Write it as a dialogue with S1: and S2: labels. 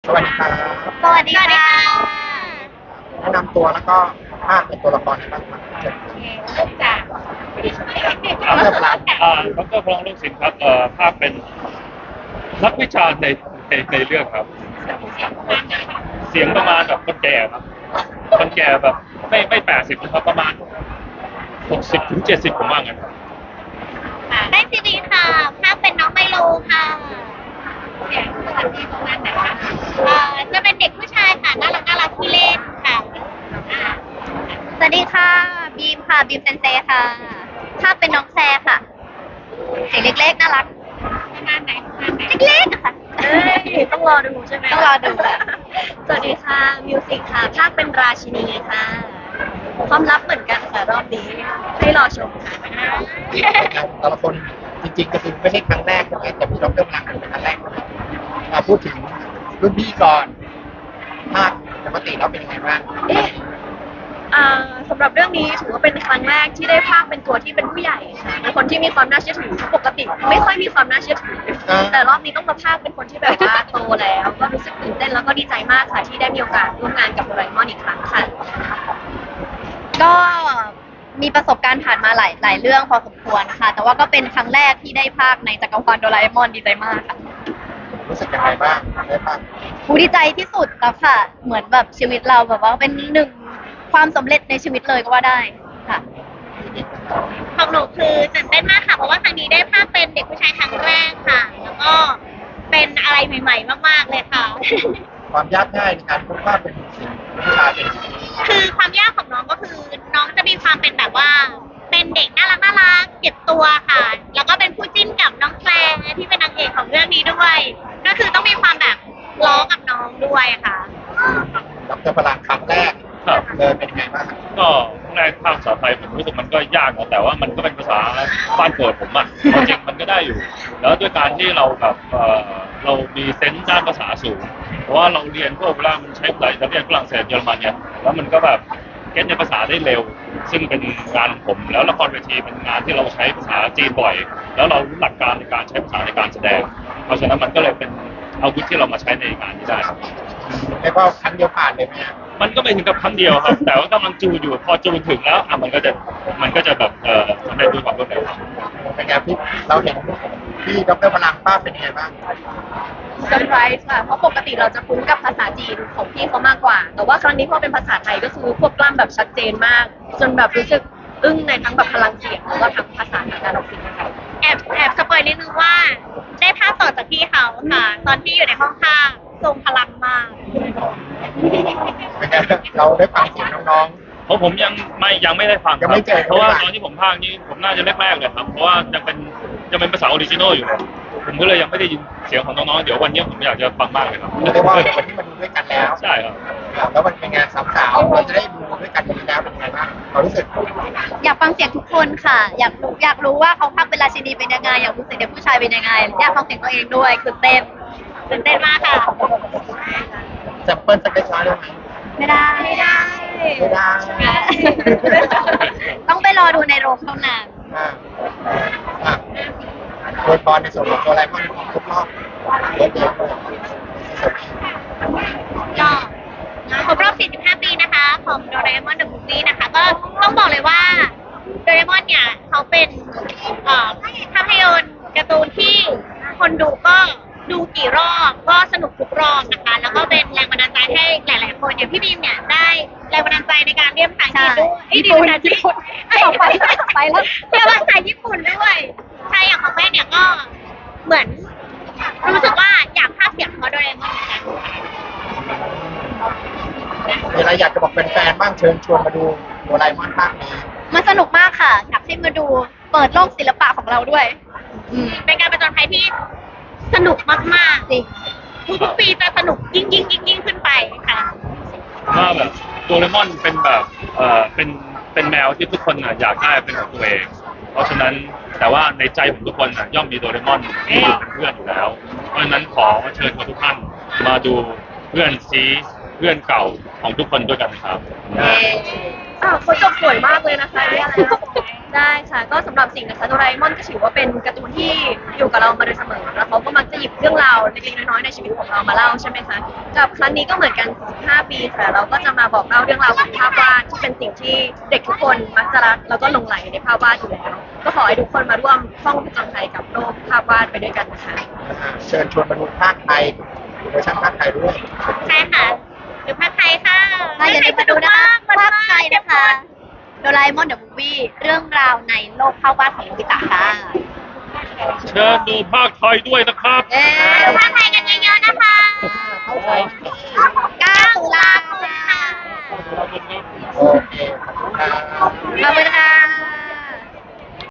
S1: สวัสดีครับ
S2: สวัสดีค่ะ
S1: แนะนำตัวแล้วก็ภาคเป็นตัวละครในบ้างครับเชิญ
S2: เริ่มจาก
S1: เริ่มรับ
S3: ดรพลองลูกศิษย์ครับภาพเป็นนักวิชาในเรื่องครับ เสียงประมาณแบบคนแก่ครับคนแก่แบบไม่80นะครับประมาณ60 ถึง 70ผมว่างั้นครับ
S2: ได้ซีดีค่ะภาพเป็นน้องไมโลค่ะเสียงสวัสดีประมาณไหนคะจะเป็นเด็กผู้ชายค่ะน่ารักน่ารักที่เล่นค่ะสวัสดีค่ะบีมค่ะบีมเซนเซค่ะภาพเป็นน้องแซค่ะเสียงเล็กๆน่ารักประมาณไหนเล็กๆอะค่ะ
S4: ต้องรอดูใช่ไหม
S2: ต้องรอดู
S4: สวัสดีค่ะมิวสิกค่ะภาคเป็นราชินีค่ะความลับเหมือนกันค่ะรอบนี้ให้รอชมค่ะ
S1: แต่ละคนจริงๆก็คือไม่ใช่ครั้งแรกใช่ไหมแต่พี่ดรพลังเป็นครั้งแรกพูดถึงรุ่นพี่ก่อนภาคปกติแล้วเป็นยังไงบ้าง
S4: สำหรับเรื่องนี้ถือว่าเป็นครั้งแรกที่ได้ภาคเป็นตัวที่เป็นผู้ใหญ่ค่ะเป็นคนที่มีความน่าเชื่อถือปกติไม่ค่อยมีความน่าเชื่อถือแต่รอบนี้ต้องมาภาคเป็นคนที่แบบว่าโตแล้วก็รู้สึกตื่นเต้นแล้วก็ดีใจมากค่ะที่ได้มีโอกาสร่วมงานกับโดราเอมอนอีกครั้งค่ะ
S2: ก็มีประสบการณ์ผ่านมาหลายเรื่องพอสมควรค่ะ แต่ว่าก็เป็นครั้งแรกที่ได้ภาคในจักรวาลโดราเอมอนดีใจมากค่ะ
S1: รู้สึกยังไงบ้างได้ภาค
S2: ดีใจที่สุดแล้วค่ะ เหมือนแบบชีวิตเราแบบว่าเป็นหนึ่งความสำเร็จในชีวิตเลยก็ว่าได้ค่ะของหนูคือตื่นเต้นมากค่ะเพราะว่าครั้งนี้ได้ภาคเป็นเด็กผู้ชายครั้งแรกค่ะ แล้วก็เป็นอะไรใหม่ๆมากๆเลยค่ะ
S1: ความยากง่ายในการพูดว่าเป็นสิ่งผู้ชายเป็น
S2: คือความยากของน้องก็คือน้องจะมีความเป็นแบบว่า เป็นเด็กน่ารักน่ารักเก็บตัวค่ะ แล้วก็เป็นคู่จิ้นกับน้องแคลร์ที่เป็นนางเอกของเรื่องนี้ด้วย ก็คือต้องมีความแบบล้อกับน้องด้วยค่ะ
S1: ดรพลังครั้งแรก
S3: ครับ
S1: เลยเป็นยังไงบ้าง
S3: ก็ครั้งแรกภาคภาษาไทยผมรู้สึกมันก็ยากนะแต่ว่ามันก็เป็นภาษาบ้านเกิดผมอ่ะจริงมันก็ได้อยู่ แล้วด้วยการที่เราแบบเรามีเซนส์ด้านภาษาสูงเพราะว่าเราเรียนพวกเวลามันใช้ภาษาอิตาเลียนฝรั่งเศสเยอรมันเนี่ยแล้วมันก็แบบเก็ตในภาษาได้เร็ว ซึ่งเป็นงานของผมแล้วละครเวทีเป็นงานที่เราใช้ภาษาจีนบ่อย แล้วเรารู้หลักการในการใช้ภาษาในการแสดง เพราะฉะนั้นมันก็เลยเป็นอาวุธที่เรามาใช้ในงานนี้ได้ครับ
S1: เรียกว่าครั้งเดียวผ่านเลยไหมฮะ
S3: มันก็ไม่ถึงกับครั้งเดียวครับ แต่ว่ากำลังจูนอยู่พอจูนถึงแล้วมันก็จะแบบสำเร็จด้วยความรวดเร็วครับ
S1: เป็นไงพี่เราเห็นพี่ดรพลังภาพเป็นยังไงบ้าง
S4: เซอร์ไพรส์ค่ะ เพราะปกติเราจะคุ้นกับภาษาจีนของพี่เขามากกว่า แต่ว่าครั้งนี้พอเป็นภาษาไทยก็คือควบกล้ำแบบชัดเจนมาก จนแบบรู้สึกอึ้งในทั้งแบบพลังเสียงแล้วก็ทั้งภาษาทางการออกเสียงนะคะ
S2: แอบสปอยนิดนึงว่า ได้ภาพต่อจากพี่เขาค่ะ ตอนที่อยู่ในห้องข้างทรงพลังมาก
S1: เป็นไงเราได้ฟังเสียงน้อง
S3: เพราะผมยังไม่ได้ฟังค
S1: ยั
S3: รั
S1: งไม่เจอ
S3: เพราะว่าตอนที่ผมพากย์นี่ผมน่าจะแรกๆเลยครับเพราะว่ายังเป็นภาษาออริจินอลอยู่เลยผมก็เลยยังไม่ได้ยินเสียงของน้องๆเดี๋ยววันนี้ผมอยากจะฟังมากเลยครับ
S1: ๆเรียกว่าวันที่มาดูด้วยกันแล้ว
S3: ใช่ครับ
S1: แล้วมันเป็นไงสาวๆเราจะได้ดูด้วยกันทีแล้วเป็นยังไงบ้างความรู้สึก
S2: อยากฟังเสียงทุกคนค่ะ อยากรู้ว่าเขาพักเป็นราชินีเป็นยังไง อยากรู้เสียงเด็กผู้ชายเป็นยังไง อยากฟังเสียงตัวเองด้วยตื่นเต้นมากค่ะ
S1: แซมเปิลสักเล็กน้อยได้ไหม
S2: ไม่ได้
S1: ไม่ได้
S2: ต้องไปรอดูในโรงเท่านั้น
S1: อ่าอ่ะโดยพรในส่วนของตัวไลมอนครบรอบเดือนเดียวเลย
S2: ก็ครบรอบ 45 ปีนะคะ ของโดราเอมอนเดอะมูฟวี่นะคะ ก็ต้องบอกเลยว่าโดราเอมอนเนี่ยเขาเป็นภาพยนตร์การ์ตูนที่คนดูก็ดูกี่รอบก็สนุกทุกรอบนะคะ แล้วก็เป็นแรงบันดาลใจให้หลายๆคนอย่างพี่บีมเนี่ยได้แรงบันดาลใจในการเรียนภาษาอังกฤษด้วยเรียนภาษาจีนไปแล้วเรียนภาษาญี่ปุ่นด้วยใช่อย่างของแม่เนี่ยก็เหมือนรู้สึกว่าอยากพากย์เสียงเขาโดราเอมอนเหมือนกัน
S1: มีอะไรอยากจะบอกแฟนๆบ้างเชิญชวนมาดูตัวไลมอนภาคนี้
S2: มันสนุกมากค่ะ อยากให้มาดูเปิดโลกศิลปะของเราด้วย เป็นการประจนภัยที่สนุกมากๆจริงทุกๆปีจะสนุกยิ่งขึ้นไปค่ะ
S3: ว่าแบบโดเรมอนเป็นแบบเป็นแมวที่ทุกคนอยากได้เป็นของตัวเอง เพราะฉะนั้นแต่ว่าในใจของทุกคนย่อมมีโดเรมอนที่เป็นเพื่อนอยู่แล้ว เพราะฉะนั้นขอเชิญทุกท่านมาดูเพื่อนซีเพื่อนเก่าของทุกคนด้วยกันครับ
S1: เย้
S4: เขาจบสวยมากเลยนะคะเนี่ยได้ค่ะก็สำหรับสิ่งนะคะโดราเอมอนก็ถือว่าเป็นการ์ตูนที่อยู่กับเรามาโดยเสมอแล้วเขาก็มักจะหยิบเรื่องราวเล็กๆน้อยๆในชีวิตของเรามาเล่าใช่ไหมคะกับครั้งนี้ก็เหมือนกัน15ปีค่ะเราก็จะมาบอกเล่าเรื่องราวของภาพวาดที่เป็นสิ่งที่เด็กทุกคนมักจะรักแล้วก็หลงไหลในภาพวาดอยู่แล้วก็ขอให้ทุกคนมาร่วมท่องผจญภัยกับโลกภาพวาดไปด้วยกันนะคะ
S1: เชิญชวนมาดูภาคไทยเวอร์ชันภาคไทยด้วย
S2: ใช่ค่ะดูภาคไทยค่ะ
S5: อย่าลืมมาดูนะคะภาคไทยนะคะโดราเอมอนเดอะมูฟวี่เรื่องราวในโลกภาพวาดของโนบิตะค่ะ
S3: เชิญดูภาคไทยด้วยนะครับ
S5: เย้
S2: ดูภาคไทยกัน